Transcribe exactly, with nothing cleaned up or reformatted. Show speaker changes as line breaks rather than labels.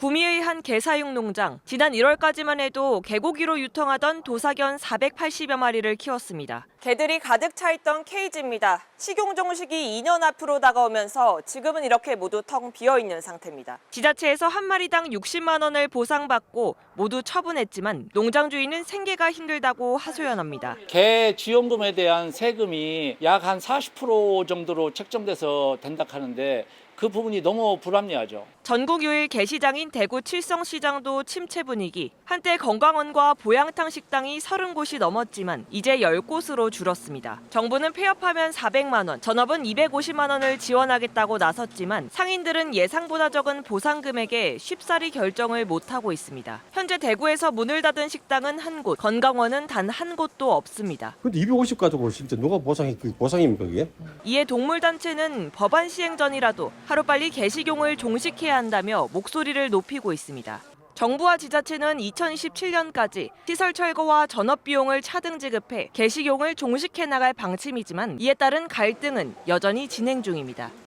구미의 한 개사육 농장, 지난 일월까지만 해도 개고기로 유통하던 도사견 사백팔십여 마리를 키웠습니다. 개들이 가득 차 있던 케이지입니다. 식용 종식이 이 년 앞으로 다가오면서 지금은 이렇게 모두 텅 비어 있는 상태입니다. 지자체에서 한 마리당 육십만 원을 보상받고 모두 처분했지만 농장 주인은 생계가 힘들다고 하소연합니다.
개 지원금에 대한 세금이 약 한 사십 퍼센트 정도로 책정돼서 된다 하는데 그 부분이 너무 불합리하죠.
전국 유일 게시장인 대구 칠성시장도 침체 분위기. 한때 건강원과 보양탕 식당이 서른 곳이 넘었지만 이제 열 곳으로 줄었습니다. 정부는 폐업하면 사백만 원, 전업은 이백오십만 원을 지원하겠다고 나섰지만 상인들은 예상보다 적은 보상 금액에 쉽사리 결정을 못하고 있습니다. 현재 대구에서 문을 닫은 식당은 한 곳, 건강원은 단 한 곳도 없습니다.
근데 이백오십 가지고 진짜 누가 보상이 그 보상입니까 그게?
이에 동물단체는 법안 시행 전이라도 하루빨리 개식용을 종식해야 한다며 목소리를 높이고 있습니다. 정부와 지자체는 이천이십칠 년까지 시설 철거와 전업 비용을 차등 지급해 개식용을 종식해 나갈 방침이지만 이에 따른 갈등은 여전히 진행 중입니다.